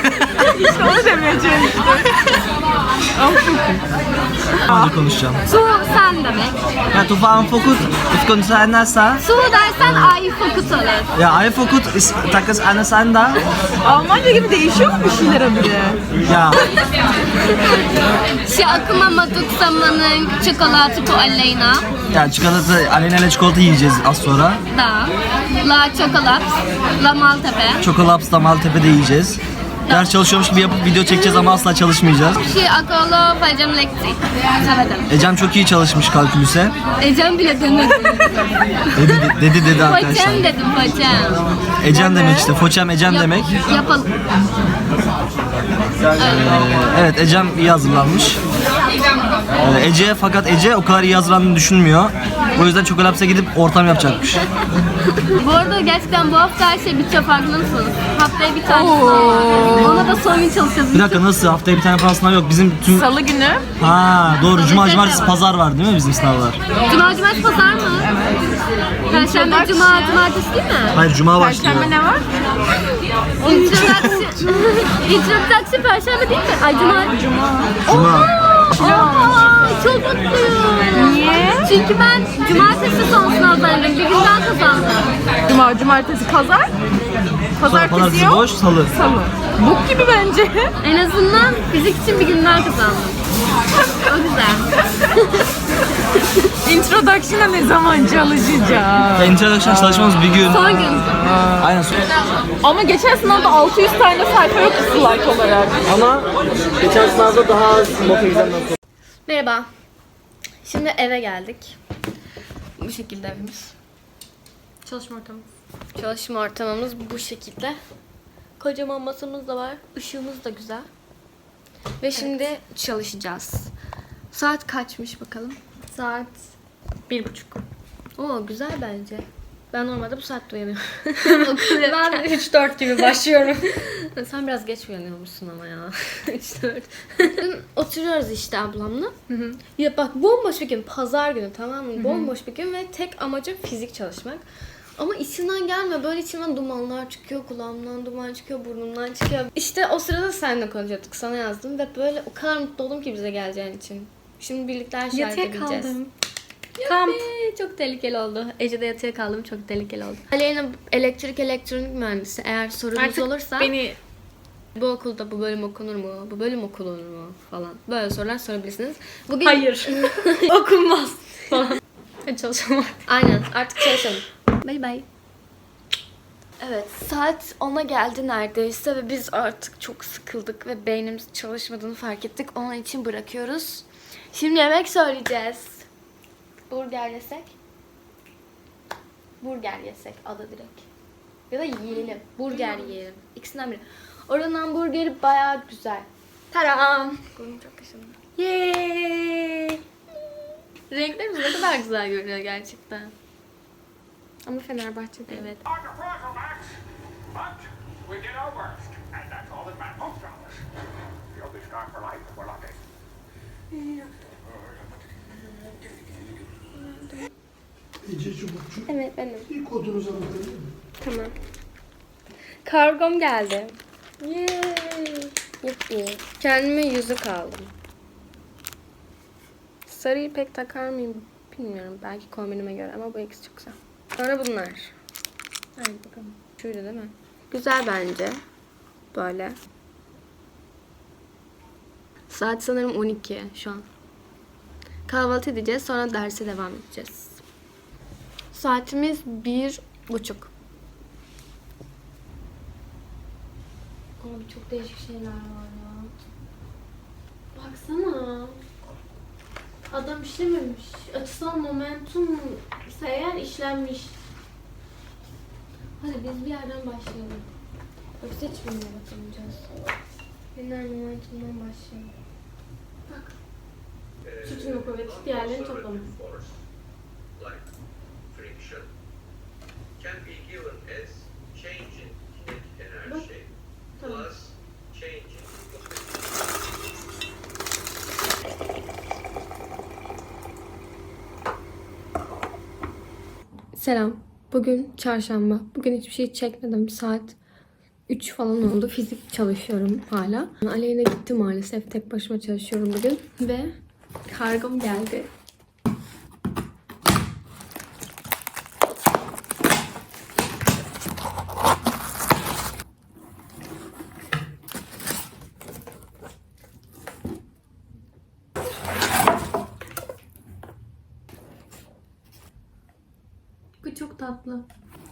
İşte onu demeye çalıştım. Önce konuşacağım. Su sen demek. Ya tu faham fokut, ifkun sa'nasa. Su dersen ay fokut olur. Ya ay fokut is takas anasanda. Almanca gibi değişiyor mu bir şeyler habire? Ya Şey akıma maduk zamanın çikolatı bu aleyna. ya çikolata, Aleyna ile çikolata yiyeceğiz az sonra. Da. La çokolat. La Maltepe. Çokolaps'ta Maltepe'de yiyeceğiz. Ders çalışıyormuş gibi yapıp video çekeceğiz ama asla çalışmayacağız. Şey akolo paycam lekti. Sevedim. Ecem çok iyi çalışmış kalkülüse. Ecem bile demedi. Dedi arkadaşlar. Foçem dedim foçem. Ecem demek işte. Foçem Ecem demek. Yapalım. Evet Ecem iyi hazırlanmış. Ece fakat Ece o kadar iyi hazırlandığını düşünmüyor. O yüzden Çokolaps'a gidip ortam yapacakmış. Bu arada gerçekten bu hafta her şey bitiyor, farkında mısınız? Haftaya bir tane sınav var. Ona da son gün çalışacağız. Bir dakika nasıl? Haftaya bir tane falan sınav yok. Bizim tüm... Salı günü. Ha doğru. Cuma, cumartesi, pazar var değil mi bizim sınavlar? Cuma, cumartesi, pazar mı? Perşembe, cuma, cumartesi değil mi? Hayır cuma başlıyor. Perşembe ne var? İntrodaksi perşembe değil mi? Ay cuma. Cuma. Aa, çok mutluyum. Niye? Çünkü ben cumartesi son sınavdaydım. Bir gün daha kazandım. Cuma, cumartesi, pazar. Sonra pazartesi yok. boş, salı. Salı. Bok gibi bence. En azından fizik için bir gün daha kazandım. O güzel. Introduction'a ne zaman çalışacağız? Introduction çalışmamız bir gün. Son gün. Aynen son. Ama geçen sınavda 600 tane sayfa yok slide olarak. Ama geçen sınavda daha az not exam'dan sonra. Merhaba. Şimdi eve geldik. Bu şekilde evimiz. Çalışma ortamımız. Çalışma ortamımız bu şekilde. Kocaman masamız da var. Işığımız da güzel. Ve şimdi çalışacağız. Saat kaçmış bakalım? Saat 1:30. Oo güzel bence. Ben normalde bu saatte uyanıyorum. Ben 3-4 gibi başlıyorum. Sen biraz geç uyanıyormuşsun ama ya. 3-4. Oturuyoruz işte ablamla. Ya bak bomboş bir gün. Pazar günü, tamam mı? Bomboş bir gün ve tek amacım fizik çalışmak. Ama içinden gelmiyor. Böyle içimden dumanlar çıkıyor. Kulağımdan duman çıkıyor. Burnumdan çıkıyor. İşte o sırada seninle konuşuyorduk. Sana yazdım ve böyle o kadar mutlu oldum ki bize geleceğin için. Şimdi birlikte her şeyi Yatıya halledebileceğiz. kaldım. Kamp. Çok tehlikeli oldu. Ece'de yatıya kaldım. Çok tehlikeli oldu. Aleyna elektronik mühendisi. Eğer sorunuz Artık olursa beni bu okulda bu bölüm okunur mu? Bu bölüm okunur mu? Falan. Böyle sorular sorabilirsiniz. Bugün... hayır. Okunmaz. Hadi çalışalım. Aynen. Artık çalışalım. Bay bay. Evet. Saat 10'a geldi neredeyse ve biz artık çok sıkıldık ve beynimiz çalışmadığını fark ettik. Onun için bırakıyoruz. Şimdi yemek söyleyeceğiz. Burger yesek? Burger yesek adı direkt. Ya da yiyelim. Burger yiyelim. İkisinden biri. Oranın hamburgeri bayağı güzel. Taram. Burnum çok kaşındı. Yay. Renklerimiz ne kadar güzel görünüyor gerçekten. Ama Fenerbahçe'de. Evet. On the program, Max. But we did our worst, and that's all that matters to us. You'll be scarred for life if we're lucky. Ece Çubukçu. Evet benim. Bir kodunuzu alabilir miyim? Tamam. Kargom geldi. Yay. Yuppi. Kendime yüzük aldım. Sarıyı pek takar mıyım bilmiyorum. Belki kombinime göre ama bu ikisi çok güzel. Sonra bunlar. Hadi bakalım. Şuydu değil mi? Güzel bence. Böyle. Saat sanırım 12 şu an. Kahvaltı edeceğiz, sonra derse devam edeceğiz. Saatimiz 1:30. Abi çok değişik şeyler var ya. Baksana. Adam işlememiş. Açısal momentum ise eğer işlenmiş. Hadi biz bir yerden başlayalım. Yoksa hiçbirine bakamayacağız. Lineer momentumdan başlayalım. Bak. Sütun kuvveti diğerlerini toplamış. Force, like friction, can be given as change in kinetic energy plus change in Selam. Bugün çarşamba. Bugün hiçbir şey çekmedim. Saat 3 falan oldu. Fizik çalışıyorum hala. Aleyna gitti maalesef. Tek başıma çalışıyorum bugün. Ve kargom geldi. Bu çok tatlı.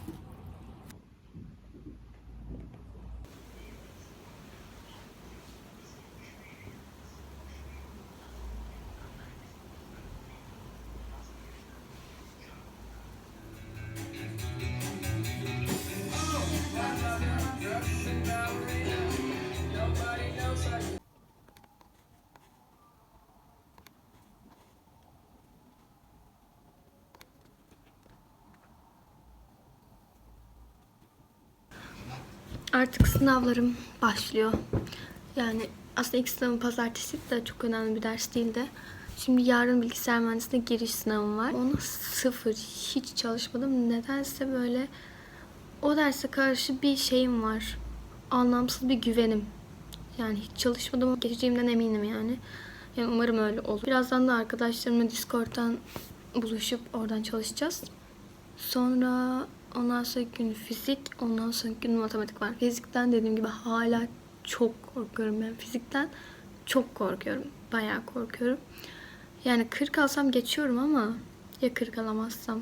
Artık sınavlarım başlıyor. Yani aslında ilk sınavım pazartesi de çok önemli bir ders değildi. Şimdi yarın bilgisayar mühendisliğine giriş sınavım var. Ona sıfır, hiç çalışmadım. Nedense böyle o derse karşı bir şeyim var. Anlamsız bir güvenim. Yani hiç çalışmadım ama geçeceğimden eminim yani. Yani umarım öyle olur. Birazdan da arkadaşlarımla Discord'dan buluşup oradan çalışacağız. Sonra ondan sonra gün fizik, ondan sonra gün matematik var. Fizikten dediğim gibi hala çok korkuyorum ben. Fizikten çok korkuyorum. Bayağı korkuyorum. Yani 40 alsam geçiyorum ama ya 40 alamazsam.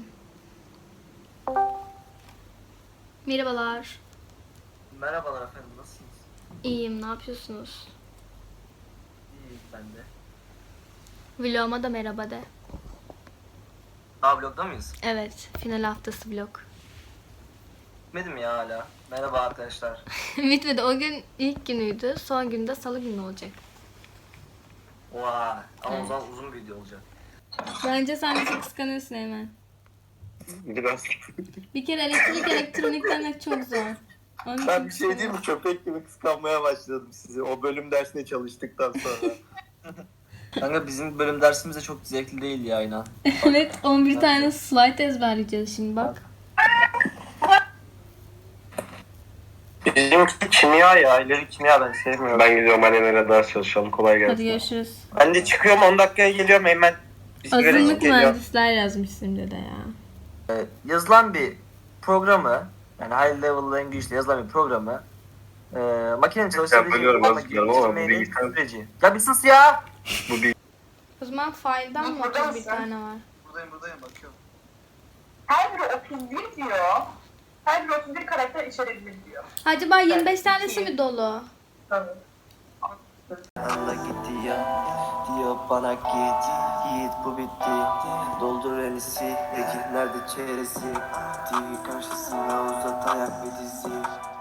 Merhabalar. Merhabalar efendim, nasılsınız? İyiyim, ne yapıyorsunuz? İyi, ben de. Vloguma da merhaba de. Vlogda mıyız? Evet, final haftası vlog. Bitmedi mi ya hala? Merhaba arkadaşlar. Bitmedi. O gün ilk günüydü. Son günde salı günü olacak. Vay, ama o zaman uzun bir video olacak. Bence sen bizi kıskanıyorsun hemen. Biraz. Bir kere elektrik elektronik demek çok zor. Onun Ben için bir şey diyeyim mi? Köpek gibi kıskanmaya başladım sizi. O bölüm dersine çalıştıktan sonra. Kanka bizim bölüm dersimiz de çok zevkli değil ya inan. Evet, 11 tane slide ezberleyeceğiz şimdi bak. Bizim kimya ya. İleri kimya ben sevmiyorum. Ben gidiyorum Aleyna'yla ders çalışalım. Kolay gelsin. Hadi görüşürüz. Ben de çıkıyorum 10 dakikaya geliyorum hemen. Bir sigara içip Azınlık geliyorum. mühendisler yazmışsın de ya. Yazılan bir programı, yani high level language ile yazılan bir programı makinenin çalışabileceği bölüyorum, formda özür dilerim ama bu geliştirmenin bilgisayar- süreci. Ya bir sus ya! Bu bir O zaman file'dan mı 31 tane var? Buradayım bakıyorum. Her biri 31 diyor. Her biri 31 karakter içerebilir diyor. Acaba 25 tanesi mi dolu? Tabii. Allah gitti ya, diyor bana git, yiğit bu bitti. Doldur elisi, peki nerede çeresi? TV karşısında uzat ayak ve dizi.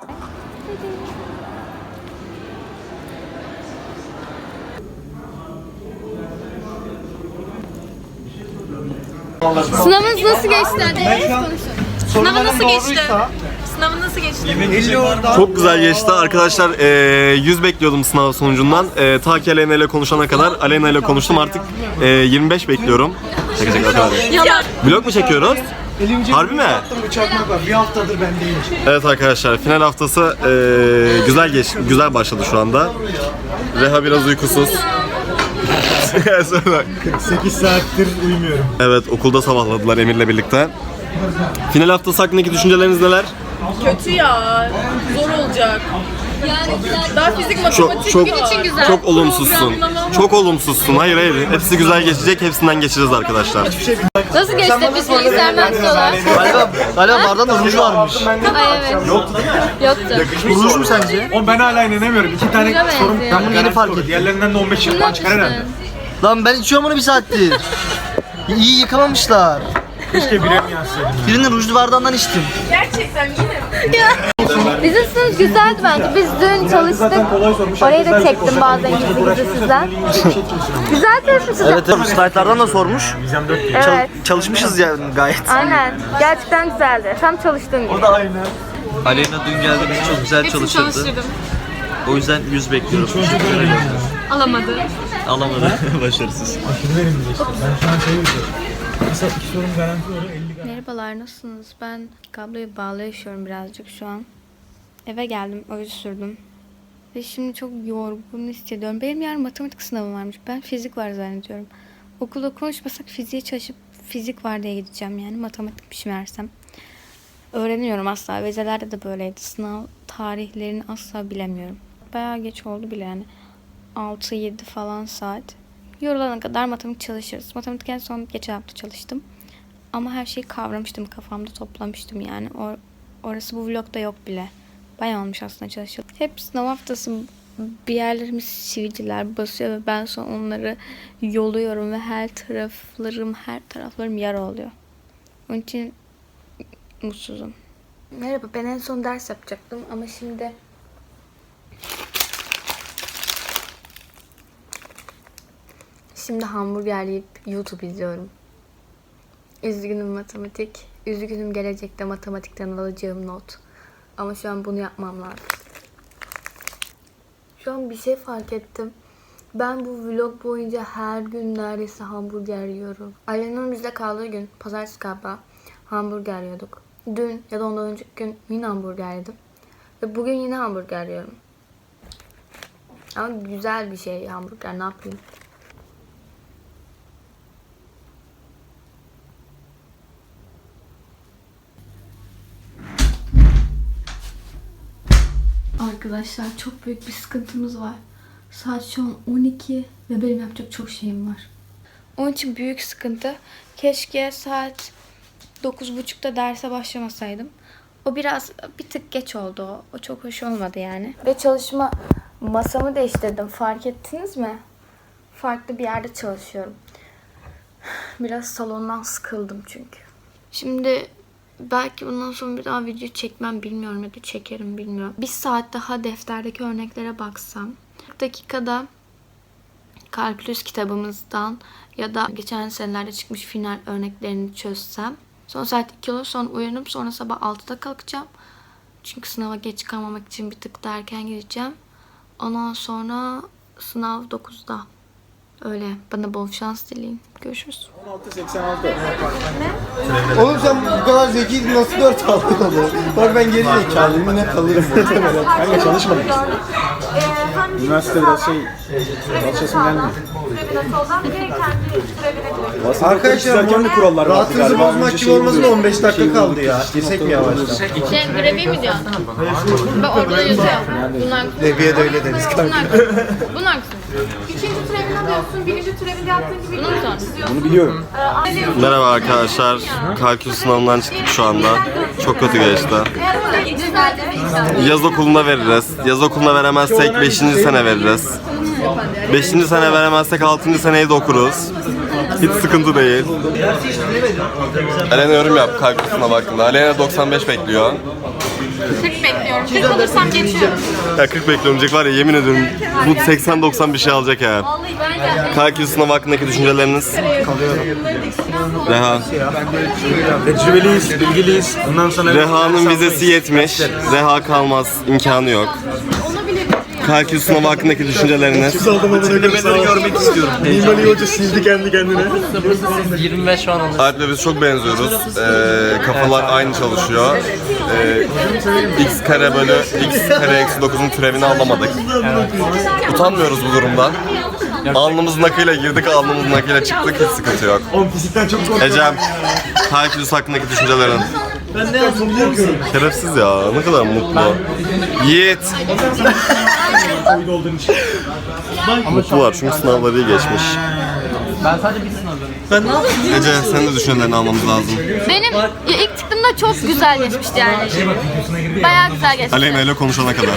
Sınavınız nasıl geçti? Hadi konuşun. Sınavı nasıl geçti? Sınavı nasıl geçti? Çok güzel geçti arkadaşlar. 100 bekliyordum sınav sonucundan. Ta ki Aleyna ile konuşana kadar. Aleyna ile konuştum artık. 25 bekliyorum. Şaka o kadar değil. Vlog mu çekiyoruz? Harbi mi? Bir haftadır ben değilim. Evet arkadaşlar, final haftası güzel başladı şu anda. Reha biraz uykusuz. 48 saattir uyumuyorum. Evet, okulda sabahladılar Emir'le birlikte. Final haftası hakkındaki düşünceleriniz neler? Kötü ya. Zor olacak. Daha fizik matematik var. Çok olumsuzsun. Çok olumsuzsun. Hayır. Hepsi güzel geçecek. Hepsinden geçeceğiz arkadaşlar. Nasıl geçti? Biz bilgisayar mühendisi olarak. Galiba bardağında ruj varmış. Ay evet. Yoktu değil mi? Yoktu. Ruj mu sence? Oğlum ben hala inanamıyorum. 2 tane Ruja sorum. benziyor. Ben bunu yeni fark ettim. Diğerlerinden de 15 Bunu yıl çıkar herhalde. yapmışsın. Lan ben içiyorum bunu bir saattir. İyi yıkamamışlar. Keşke bire mi yazsaydım. Birinin rujlu bardağından içtim. Gerçekten yine. Bizim sınıf güzeldi bence. Biz dün çalıştık. Orayı da çektim bazen gizli sizden. Güzel çalışmışız. Evet, slaytlardan da sormuş. Evet. Çalışmışız yani gayet. Aynen. Gerçekten güzeldi. Tam çalıştığım gibi. Aleyna dün geldi, bizi çok güzel çalıştırdı. O yüzden 100 bekliyorum. Alamadı. Alamadı. Başarısız. Ben şu an mesela 2 sorum garanti var. 50 Merhabalar, nasılsınız? Ben kabloyu bağlı yaşıyorum birazcık şu an. Eve geldim, öyle sürdüm. Ve şimdi çok yorgun hissediyorum. Benim yarın matematik sınavım varmış. Ben fizik var zannediyorum. Okulda konuşmasak fiziğe çalışıp fizik var diye gideceğim yani. Matematikmiş meğersem. Öğreniyorum asla. Vizelerde de böyleydi. Sınav tarihlerini asla bilemiyorum. Bayağı geç oldu bile yani. 6-7 falan saat. Yorulana kadar matematik çalışırız. Matematik en son geçen hafta çalıştım. Ama her şeyi kavramıştım. Kafamda toplamıştım yani. Orası bu vlogda yok bile. Bayağı olmuş aslında çalışıyor. Hep sınav haftası bir yerlerimiz sivilceler basıyor ve ben sonra onları yoluyorum ve her taraflarım yara oluyor. Onun için mutsuzum. Merhaba, ben en son ders yapacaktım ama şimdi hamburger yiyip YouTube izliyorum. Üzgünüm matematik. Üzgünüm gelecekte matematikten alacağım not. Ama şu an bunu yapmam lazım. Şu an bir şey fark ettim. Ben bu vlog boyunca her gün neredeyse hamburger yiyorum. Ailenin bizde kaldığı gün, pazartesi galiba, hamburger yiyorduk. Dün ya da ondan önceki gün yine hamburger yedim. Ve bugün yine hamburger yiyorum. Ama güzel bir şey hamburger, ne yapayım? Arkadaşlar çok büyük bir sıkıntımız var. Saat şu an 12 ve benim yapacak çok şeyim var. Onun için büyük sıkıntı. Keşke saat 9.30'da derse başlamasaydım. O bir tık geç oldu. O çok hoş olmadı yani. Ve çalışma masamı değiştirdim. Fark ettiniz mi? Farklı bir yerde çalışıyorum. Biraz salondan sıkıldım çünkü. Şimdi belki bundan sonra bir daha video çekmem bilmiyorum ya da çekerim bilmiyorum. Bir saat daha defterdeki örneklere baksam. 40 dakikada kalkülüs kitabımızdan ya da geçen senelerde çıkmış final örneklerini çözsem. Sonra saat 2 olur, sonra uyanıp sonra sabah 6'da kalkacağım. Çünkü sınava geç kalmamak için bir tık da erken gideceğim. Ondan sonra sınav 9'da. Öyle. Bana bol şans dileyin. Görüşürüz. 16.86. Oğlum sen bu kadar zekiydin, nasıl 4 aldın onu? Bak ben geri zekalıyım, yine kalırım muhtemelen. Kanka çalışmadım. Üniversite biraz çalışasım gelmiyor. Arkadaşlar bu kurallar rahatınızı bozmak gibi olmasın, 15 dakika kaldı ya. Girsek mi yavaştan? Grevi mi diyorsun? Ben orada yazıyorum. Bunlar Leviye de öyle deriz kanka. bunlar mısın? İkinci türevini alıyorsun, birinci türevini yaptığın gibi bunu çiziyorsun. Bunu biliyorum. Merhaba arkadaşlar. Kalkül sınavından çıktık şu anda. Çok kötü geçti. Yaz okulunda veririz. Yaz okulunda veremezsek 5. sene veririz. 5. sene veremezsek 6. seneyi de okuruz. Hiç sıkıntı değil. Alena yorum yap kalkül sınavı hakkında. Alena 95 bekliyor. 40 bekliyorum. 40 alırsam geçiyorum. Ya 40 beklemeyecek var ya, yemin ediyorum bu 80-90 bir şey alacak ya. Kalkül sınavı hakkındaki düşünceleriniz? Reha. Tecrübeliyiz, bilgiliyiz. Bundan sonra Reha'nın vizesi yetmiş. Reha kalmaz, imkanı yok. Kalkül sınavı hakkındaki düşünceleriniz? Tecrübeleri görmek istiyorum. Mimari hoca sildi kendi kendine. 25 şu an alır. Alp'le biz çok benziyoruz. Kafalar aynı çalışıyor. X kare bölü x kare eksi 9'un türevini alamadık. Utanmıyoruz bu durumdan. Alnımızın akıyla girdik, alnımızın akıyla çıktık, hiç sıkıntı yok. Fizikten çok korkuyorum. Ecem, kalkülüs hakkındaki düşüncelerin? Ben ne yazdım biliyor musun? Şerefsiz ya, ne kadar mutlu. Yiğit. Oydu olduğun için. Mutlular çünkü sınavları iyi geçmiş. Ben sadece bir sınav Ece, senin de düşüncelerini almamız lazım. Benim ilk çıktığımda çok güzel geçmişti yani. Bayağı güzel geçmişti. Aleyna ile konuşana kadar.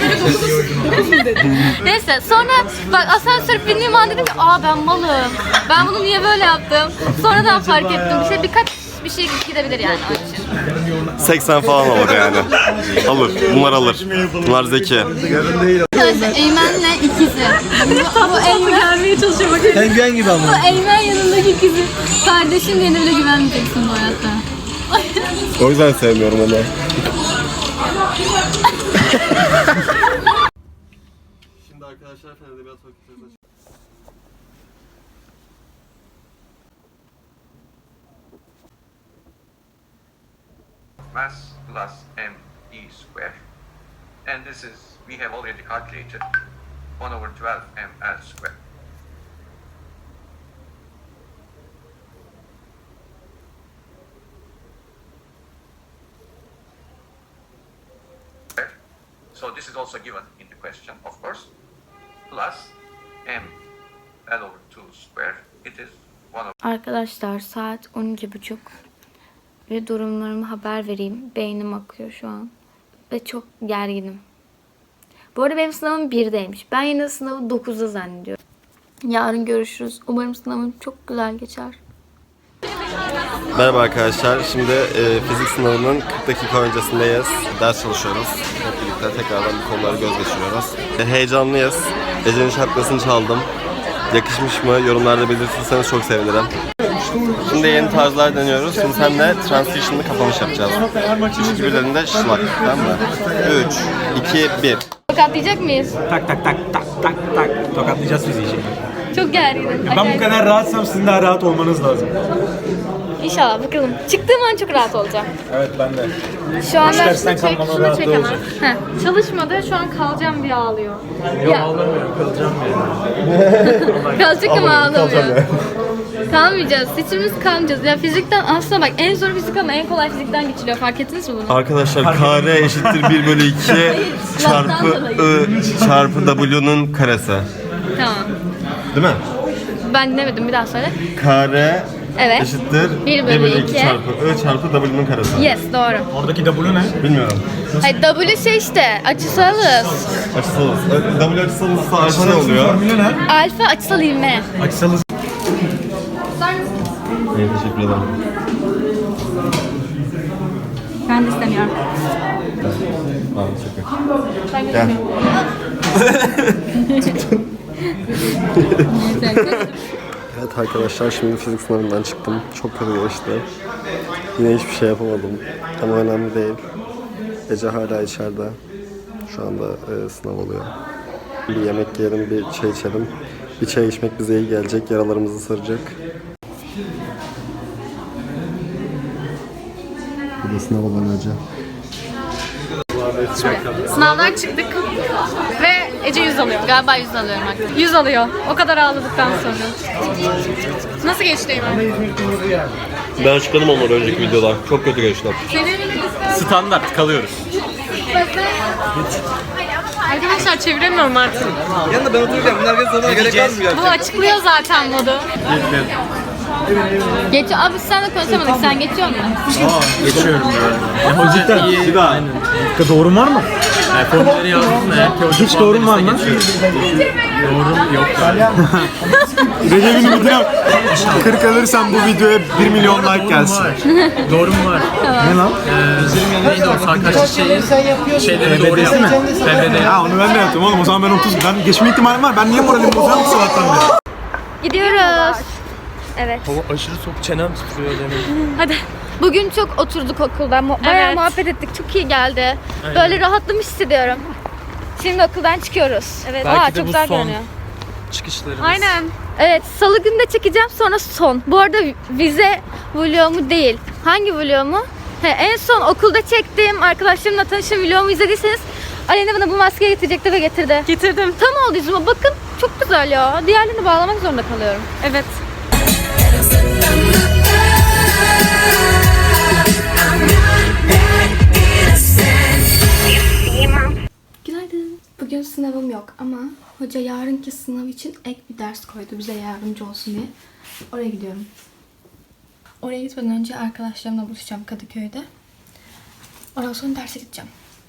Neyse sonra bak asansör bindiğim an dedim ki ben malım. Ben bunu niye böyle yaptım? Sonradan fark ettim. Birkaç bir şey gidebilir yani onun için. 80 falan alır yani. Alır. Bunlar alır. Bunlar zeki. Eymen'le ikizi. Bu Eymen gelmeye çalışıyor bakın. Penguen gibi ama. Bu Eymen yanındaki ikizi. Kardeşim diye bile güvenmeyeceksin bu hayatta. O yüzden sevmiyorum onu. Şimdi arkadaşlar Fen Edebiyat Fakültesi Mass plus m e square And this is, we have already calculated 1/12 ml square. So this is also given in the question, of course, plus m L/2 square. It is 1/. Arkadaşlar saat 12:30 ve durumlarımı haber vereyim. Beynim akıyor şu an ve çok gerginim. Bu arada benim sınavım 1'deymiş. Ben yine sınavı 9'da zannediyorum. Yarın görüşürüz. Umarım sınavım çok güzel geçer. Merhaba arkadaşlar. Şimdi fizik sınavının 40 dakika öncesindeyiz. Ders çalışıyoruz. Hep birlikte tekrardan bu konuları göz geçiriyoruz. Heyecanlıyız. Ece'nin şapkasını çaldım. Yakışmış mı? Yorumlarda belirtirseniz çok sevinirim. Şimdi yeni tarzlar deniyoruz. Şimdi seninle transition'lı kapanış yapacağız. 3, 2, 1'lerinde şlak. Tamam mı? 3, 2, 1. Tokatlayacak mıyız? Tak tak tak tak tak tak. Tokatlayacağız bizi şimdi. Çok gerginim. Ben bu kadar rahatsam sizin daha rahat olmanız lazım. İnşallah bakalım. Çıktığım an çok rahat olacağım. Evet ben de. Şu anda dersten kalmama rahat olacak. Çalışmadı, şu an kalacağım diye ağlıyor. Yok ağlamıyorum, kalacağım yani. Kalacak ama ağlamıyor. Kalmayacağız. Hiçbirimiz kalmayacağız. Ya fizikten aslında bak en zor fizik ama en kolay fizikten geçiliyor. Fark ettiniz mi bunu? Arkadaşlar kare eşittir 1/2 çarpı I çarpı W'nun karesi. Tamam. Değil mi? Ben dinlemedim. Bir daha söyle. Kare Evet. eşittir 1/2 çarpı I çarpı W'nun karesi. Yes, doğru. Oradaki W ne? Bilmiyorum. Hayır, W şey işte, açısalız. Açısalız. W açısalızsa alfa ne oluyor? Formülü ne? Alfa açısal ivme. Açısalız. İyi, teşekkür ederim. Ben de istemiyorum. Tamam, teşekkür. Ben Gel. Evet arkadaşlar, şimdi fizik sınavından çıktım. Çok kötü geçti. Yine hiçbir şey yapamadım. Ama önemli değil. Ece hala içeride. Şu anda sınav oluyor. Bir yemek yiyelim, bir çay içelim. Bir çay içmek bize iyi gelecek, yaralarımızı saracak. Bu da sınav olan Ece. Sınavdan çıktık ve Ece 100 alıyor. Galiba 100 alıyorum artık. 100 alıyor. O kadar ağladıktan sonra. Nasıl geçti Eymen? Ben açıkladım onları önceki videoda. Çok kötü geçti. Standart kalıyoruz. Arkadaşlar çeviremiyorum artık. Yanında ben otururken bunlar herkes sana gerek kalmıyor. Bu açıklıyor zaten modu. Geç abi sen de konuşamadık. Sen geçiyor musun? Geçiyorum böyle. Hoca iyi. Bir daha. Doğrum var mı? Formülleri yazdım da eğer ki hoca hiç doğrum var mı? Doğrum yok. Recep'in videom 40 alırsam bu videoya 1 milyon like gelsin. Doğrum var. Ne lan? Bizim yanında neydi o? Sarkaçlı şeyleri doğru yaptım. Ha onu ben de yaptım oğlum. O zaman ben 30. Ben geçme ihtimalim var. Ben niye moralimi bozuyorum bu sabahtan beri? Gidiyoruz. Evet. Hava aşırı soğuk, çenem titriyor demek. Hadi. Bugün çok oturduk okulda. Bayağı muhabbet ettik. Çok iyi geldi. Böyle rahatlamış hissediyorum. Şimdi okuldan çıkıyoruz. Evet. Belki Aa, de çok bu güzel son görünüyor. çıkışlarımız. Aynen. Evet, salı günü de çekeceğim, sonra son. Bu arada vize vlogumu değil. Hangi vlogumu? En son okulda çektiğim arkadaşlarımla tanıştığım vlogumu izlediyseniz Aleyna bana bu maskeyi getirecekti ve getirdi. Getirdim. Tam oldu yüzüme. Bakın çok güzel ya. Diğerlerini bağlamak zorunda kalıyorum. Evet. Günaydın. Bugün sınavım yok ama hoca yarınki sınav için ek bir ders koydu bize yardımcı olsun diye. Oraya gidiyorum. Oraya gitmeden önce arkadaşlarımla buluşacağım Kadıköy'de. Ondan sonra derse gideceğim.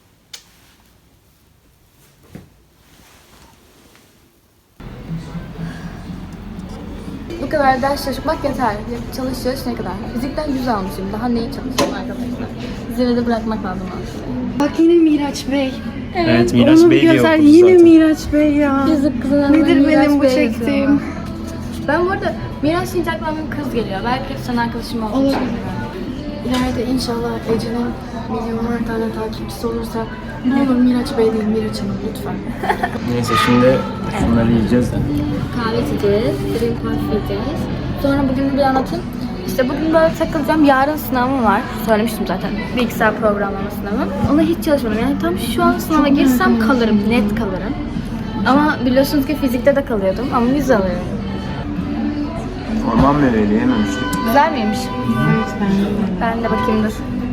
Bu kadar ders çalışmak yeter. Çalış ne kadar? Fizikten 100 almışım. Daha neyi çalışayım arkadaşlar? Zirvede de bırakmak lazım aslında. Bak yine Miraç Bey. Evet Miraç Onu Bey diye güzel. okuduk Yine zaten. Miraç Bey ya. Yazık kızına. Nedir benim bu çektiğim? Ben bu arada Miraç deyince aklıma bir kız geliyor. Belki sen arkadaşım olduğu için. İleride inşallah Ece'nin milyonlar tane takipçisi olursa ne olur Miraç Bey değil Miraç Hanım lütfen. Neyse şimdi bunları yiyeceğiz de. Kahve içeceğiz, green coffee yiyeceğiz. Sonra bugün bir anlatayım. İşte bugün böyle takılacağım. Yarın sınavım var. Söylemiştim zaten. Bilgisayar programlama sınavı. Ona hiç çalışmadım. Yani tam şu an sınava girsem kalırım. Net kalırım. Ama biliyorsunuz ki fizikte de kalıyordum. Ama 100 alıyorum. Orman meyveli yememiştik. Güzel miymiş? Evet, ben de bakayım dur.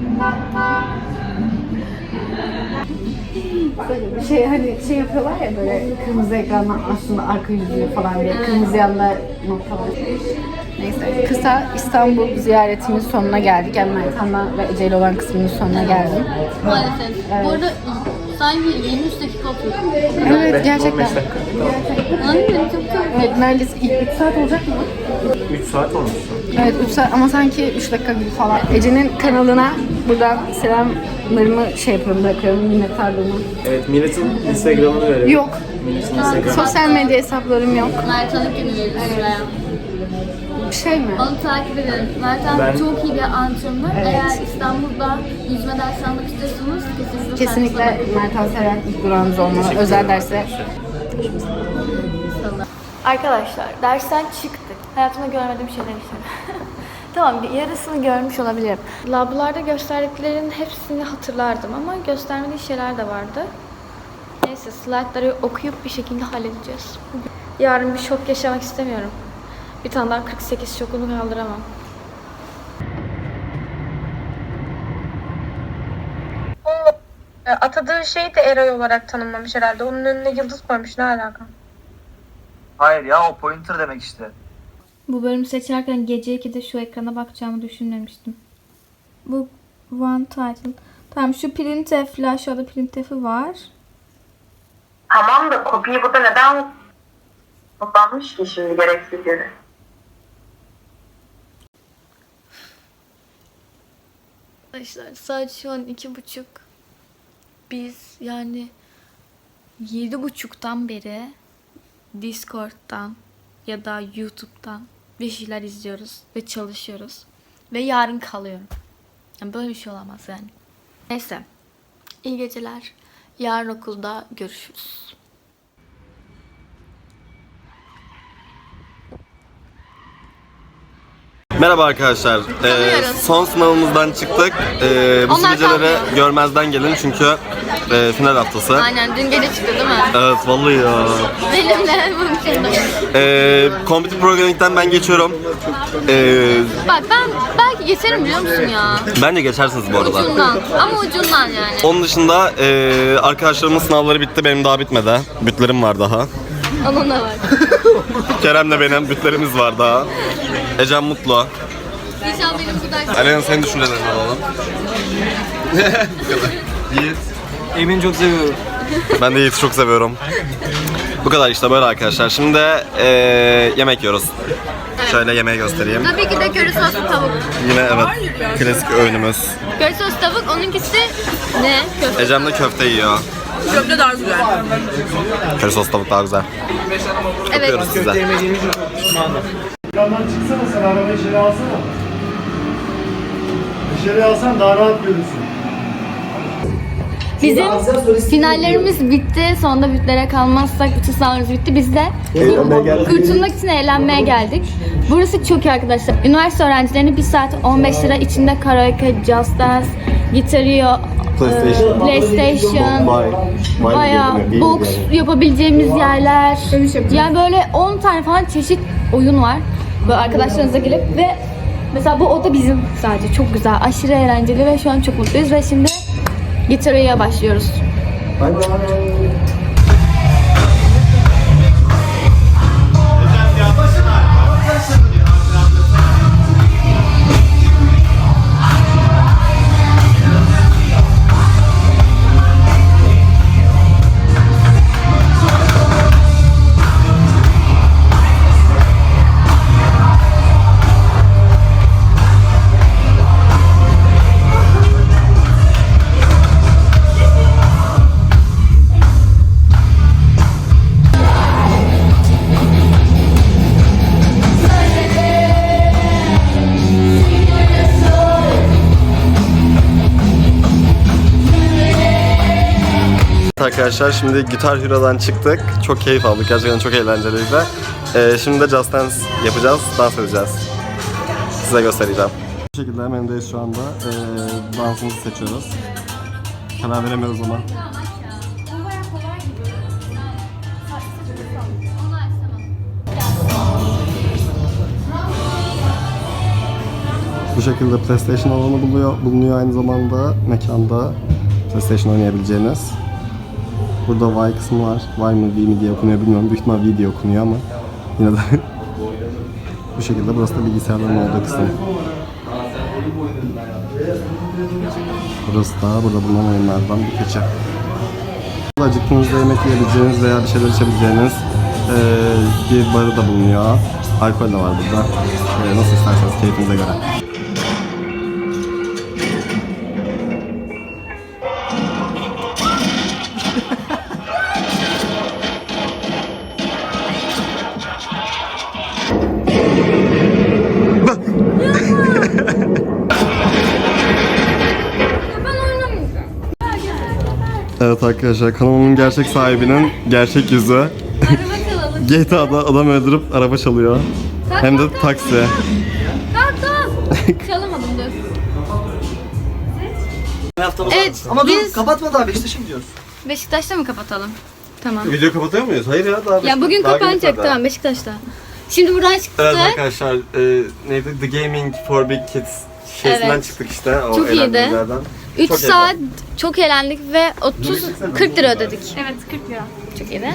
Böyle bir şey hani şey yapıyorlar ya böyle kırmızı ekrandan aslında arka yüzüğü falan diye kırmızı yanda nokta var. Neyse kısa İstanbul ziyaretimin sonuna geldik. Yani Mertan'la ve Ece ile olan kısmının sonuna geldim. Maalesef. Bu arada sanki 23 dakika oturuyor. Evet gerçekten. Aynen çok çok. Evet neredeyse ilk 3 saat olacak mı? 3 saat olmuş. Evet 3 saat ama sanki 3 dakika gibi falan. Ece'nin kanalına buradan selamlarımı şey yapıyorum, bırakıyorum minnettarlığımı. Evet, milletin Instagram'ını verelim. Yok. Milletin Instagram'ını. Sosyal medya hesaplarım yok. Mertan'ı günü veririz şuraya. Şey mi? Onu takip edelim. Mertan çok iyi bir antrenör. Evet. Eğer İstanbul'da yüzme dersi almak istiyorsanız Kesinlikle Mertan Seren ilk durağınız olmalı. Özel derse. Arkadaşlar dersten çıktık. Hayatımda görmediğim şeyler yaşadım. Tamam yarısını görmüş olabilirim. Lablarda gösterdiklerinin hepsini hatırlardım ama göstermediği şeyler de vardı. Neyse slaytları okuyup bir şekilde halledeceğiz. Yarın bir şok yaşamak istemiyorum. Bir tane daha 48 şokunu kaldıramam. Atadığı şeyi de Eray olarak tanımlamış herhalde. Onun önüne yıldız koymuş. Ne alaka? Hayır ya o pointer demek işte. Bu bölümü seçerken gece 2'de şu ekrana bakacağımı düşünmemiştim. Bu one title. Tamam şu printf, aşağıda printf'i var. Tamam da kopyayı burada neden kullanmış ki şimdi gereksiz yere? Arkadaşlar saat şu an 2:30. Biz yani 7:30'dan beri Discord'dan ya da YouTube'dan bir şeyler izliyoruz ve çalışıyoruz. Ve yarın kalıyorum. Yani böyle bir şey olamaz yani. Neyse. İyi geceler. Yarın okulda görüşürüz. Merhaba arkadaşlar. Son sınavımızdan çıktık. Bu Onlar geceleri kalmıyor. görmezden gelin çünkü final haftası. Aynen dün gece çıktı değil mi? Evet vallahi ya. Benimle mümkün. Computer Programming'den ben geçiyorum. Bak ben belki geçerim biliyor musun ya? Bence geçersiniz bu arada. Ucundan. Ama ucundan yani. Onun dışında arkadaşlarımın sınavları bitti, benim daha bitmedi. Bütlerim var daha. Onun da var. Kerem'le benim bütlerimiz var daha. Ecem mutlu. İnşallah benim bu ders... Alena senin düşüncelerini alalım. Yiğit. Emin çok seviyorum. Ben de Yiğit'i çok seviyorum. Bu kadar işte böyle arkadaşlar. Şimdi yemek yiyoruz. Şöyle yemeği göstereyim. Tabii ki de köri soslu tavuk. Yine evet klasik öğünümüz. Köri soslu tavuk, onunkisi ne? Köfte. Ecem de köfte yiyor. Köfte daha güzel. Köri sos tavuk daha güzel. Evet. Öpüyoruz size. Yandan çıksana sen arabayı içeri alsana. Dışarı alsan daha rahat görürsün. Bizim finallerimiz bitti. Sonunda bütlere kalmazsak bütün sınavlarımız bitti. Biz de kurtulmak için eğlenmeye geldik. Burası çok iyi arkadaşlar. Üniversite öğrencilerine 1 saat 15 lira içinde karaoke, just dance, Gitar.io, PlayStation, bayağı box yapabileceğimiz yerler. Yani böyle 10 tane falan çeşit oyun var. Böyle arkadaşlarınızla gelip ve mesela bu oda bizim sadece çok güzel, aşırı eğlenceli ve şu an çok mutluyuz ve şimdi Gitar.io'ya başlıyoruz. Arkadaşlar şimdi Gitar Hero'dan çıktık. Çok keyif aldık. Gerçekten çok eğlenceliydi. Şimdi de Just Dance yapacağız. Dans edeceğiz. size göstereceğim. Bu şekilde menüdeyiz şu anda. Dansımızı seçiyoruz. Karar veremiyoruz ona. Bu şekilde PlayStation alanı bulunuyor aynı zamanda mekanda PlayStation oynayabileceğiniz. Burada Y kısmı var. Y mı V mi diye okunuyor bilmiyorum. Büyük ihtimal V diye okunuyor ama yine de bu şekilde burası da bilgisayarların olduğu kısım. Burası da burada bulunan oyunlardan bir keçi. Acıktığınızda yemek yiyebileceğiniz veya bir şeyler içebileceğiniz bir barı da bulunuyor. Alkol de var burada. Nasıl isterseniz keyfinize göre. Evet arkadaşlar, kanalımın gerçek sahibinin gerçek yüzü. GTA'da adam öldürüp araba çalıyor. Hem de taksi. Çalamadım dur. Evet, ama dur kapatma daha Beşiktaş'a gidiyoruz. Beşiktaş'ta mı kapatalım? Tamam. Video kapatıyor muyuz? Hayır ya, daha Ya bugün daha kapanacak gitmedi. tamam Beşiktaş'ta. Şimdi buradan çıktık. Evet arkadaşlar, neydi? The Gaming for Big Kids şeysinden Evet. çıktık işte. O Çok iyiydi. eğlencelerden. 3 Çok saat çok eğlendik ve 40 lira ödedik. Evet 40 lira. Çok iyiydi.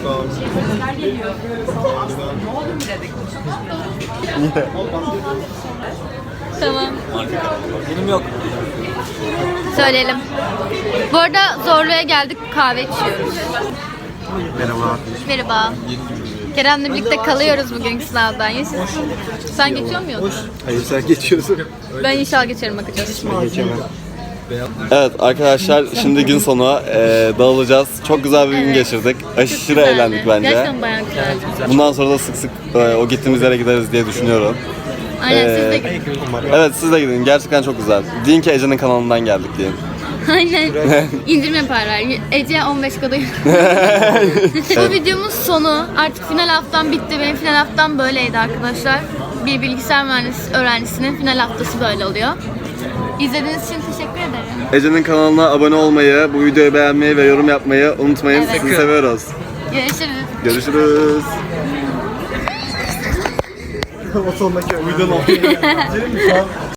Tamam. Benim yok. Söyleyelim. Bu arada Zorlu'ya geldik, kahve içiyoruz. Merhaba. Merhaba. Kerem'le birlikte kalıyoruz bugünkü sınavdan. Sen geçiyor muydun? Hayır, sen geçiyorsun. Ben inşallah geçerim, bakacağız. Evet arkadaşlar, şimdi gün sonu dağılacağız. Çok güzel bir gün geçirdik. Aşırı Güzeldi. eğlendik bence. Gerçekten bayağı güzeldi. Bundan sonra da sık sık o gittiğimiz yere gideriz diye düşünüyorum. Aynen siz de gidin. Evet, siz de gidin. Gerçekten çok güzel. Deyin ki Ece'nin kanalından geldik deyin. Aynen. İndirim yaparlar. Ece 15 kadar. Bu videomuz sonu. Artık final haftam bitti. Benim final haftam böyleydi arkadaşlar. Bir bilgisayar mühendisi öğrencisinin final haftası böyle oluyor. İzlediğiniz için teşekkür ederim. Ece'nin kanalına abone olmayı, bu videoyu beğenmeyi ve yorum yapmayı unutmayın. Evet. Sizi seviyoruz. Görüşürüz. Görüşürüz. O sondaki videonun